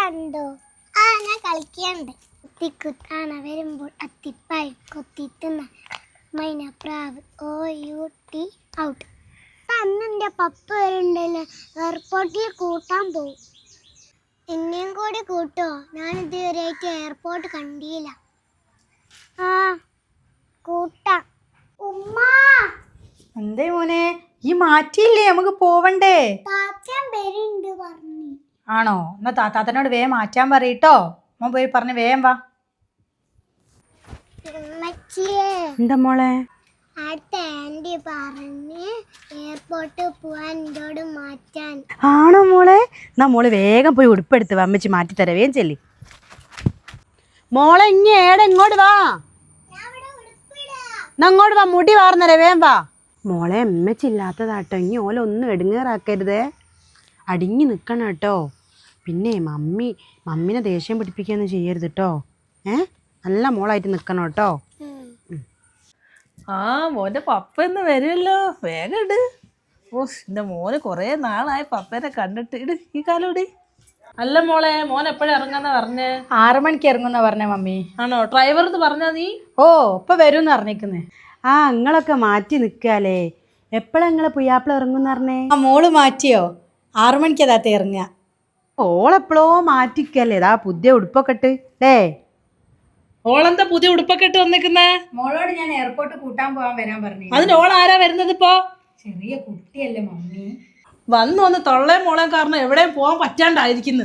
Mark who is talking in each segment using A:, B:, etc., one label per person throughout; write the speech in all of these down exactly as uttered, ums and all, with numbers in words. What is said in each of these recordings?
A: കണ്ടോ? ആ ഞാൻ കളിക്കണ്ട്. കുത്തിക്കുത്താന വരുമ്പോൾ അത്തിപ്പായി കൊത്തിത്തുന്ന മൈനപ്രാവ് ഓ യു ടി ഔട്ട്. അന്ന് എൻ്റെ പപ്പ വരുന്നുണ്ടല്ലോ, എയർപോർട്ടിൽ കൂട്ടാൻ പോകും. എന്നെയും കൂടി കൂട്ടോ? ഞാൻ ഇതുവരെയായിട്ട് എയർപോർട്ട് കണ്ടില്ല. ആ കൂട്ടാം. ഉമ്മ
B: എന്തേ മോനെ, ഈ മാറ്റിയില്ലേ? നമുക്ക് പോവണ്ടേ?
A: താത്തൻ വരുന്നുണ്ട് പറഞ്ഞു.
B: ആണോ? എന്നാ താത്താത്തനോട് വേഗം മാറ്റാൻ പറയട്ടോ. മോൻ പോയി പറഞ്ഞ് വേഗം വാ. എന്താ മോളെ?
A: അടുത്ത ആന്റി പറഞ്ഞ് എയർപോർട്ടിൽ പോവാൻ എന്നോട് മാറ്റാൻ.
C: ആണോ മോളെ? എന്നാ മോള് വേഗം പോയി ഉടുപ്പെടുത്ത് വാ, അമ്മച്ചി മാറ്റി തരവേം ചെല്ലി. മോളെ ഇങ്ങ ഏടെ ഇങ്ങോട്ട് വാ, എന്നാ അങ്ങോട്ട് വാ, മുടി വാർന്നരേ വേം വാ. മോളെ അമ്മച്ചി ഇല്ലാത്തതാട്ടോ, ഇനി ഓല ഒന്നും എടുങ്ങേറാക്കരുതേ, അടിഞ്ഞു നിൽക്കണം കേട്ടോ. പിന്നെ മമ്മി മമ്മിനെ ദേഷ്യം പിടിപ്പിക്കുകയൊന്നും ചെയ്യരുത് കേട്ടോ. ഏ നല്ല മോളായിട്ട് നിൽക്കണം കേട്ടോ.
D: ആ മോൻ്റെ പപ്പ ഇന്ന് വരുമല്ലോ, വേഗം ഇട്. ഓ എൻ്റെ മോന് കുറേ നാളായി പപ്പേനെ കണ്ടിട്ട്. ഇട് ഈ കാലം ഇടി. അല്ല മോളെ, മോൻ എപ്പോഴും ഇറങ്ങാന്നാ പറഞ്ഞേ?
B: ആറു മണിക്ക് ഇറങ്ങുന്ന പറഞ്ഞ മമ്മി.
D: ആണോ? ഡ്രൈവർ എന്ന് പറഞ്ഞാ നീ?
B: ഓ ഇപ്പൊ വരും പറഞ്ഞേക്കുന്നേ.
C: ആ നിങ്ങളൊക്കെ മാറ്റി നിൽക്കാലേ, എപ്പോഴാ നിങ്ങളെ പുയ്യാപ്പിള ഇറങ്ങുമെന്ന് പറഞ്ഞേ?
B: ആ മോള് മാറ്റിയോ? ആറു മണിക്കാ താത്ത ഇറങ്ങുക.
C: ഓളെപ്പോഴോ മാറ്റിക്കല്ലേ, ഇതാ പുതിയ ഉടുപ്പൊക്കെ ഇട്ട് ഡേ.
D: ഓളെന്താ പുതിയ ഉടുപ്പൊക്കെ ഇട്ട് വന്നിക്കുന്നേ?
B: മോളോട് ഞാൻ എയർപോർട്ട് കൂട്ടാൻ പോകാൻ വരാൻ പറഞ്ഞു.
D: അതിന് ഓൾ ആരാ വരുന്നത് ഇപ്പോ?
B: ചെറിയ കുട്ടിയല്ലേ മമ്മി.
D: വന്നു വന്ന് തൊള്ളേ മോളെ കാരണം എവിടെയും പോകാൻ പറ്റാണ്ടായിരിക്കുന്നു.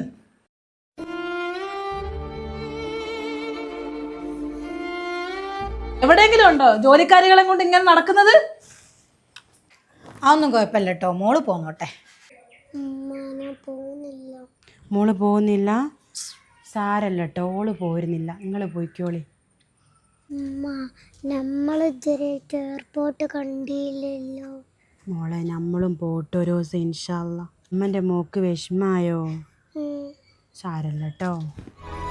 D: എവിടെയെങ്കിലും ഉണ്ടോ ജോലിക്കാരികളെ കൊണ്ട് ഇങ്ങനെ നടക്കുന്നത്?
B: അതൊന്നും കുഴപ്പമില്ല കേട്ടോ, മോള് പോന്നോട്ടെ.
C: മോള് പോകുന്നില്ല? സാരല്ല കേട്ടോ, ഓള് പോരുന്നില്ല, നിങ്ങൾ പോയിക്കോളി.
A: നമ്മൾ ഇതുവരെയായിട്ട് എയർപോർട്ട് കണ്ടില്ലല്ലോ.
C: മോളെ നമ്മളും പോട്ടെ ഒരു ദിവസം ഇൻഷാ അല്ലാ. അമ്മൻ്റെ മോക്ക് വിഷമായോ? സാരല്ല കേട്ടോ.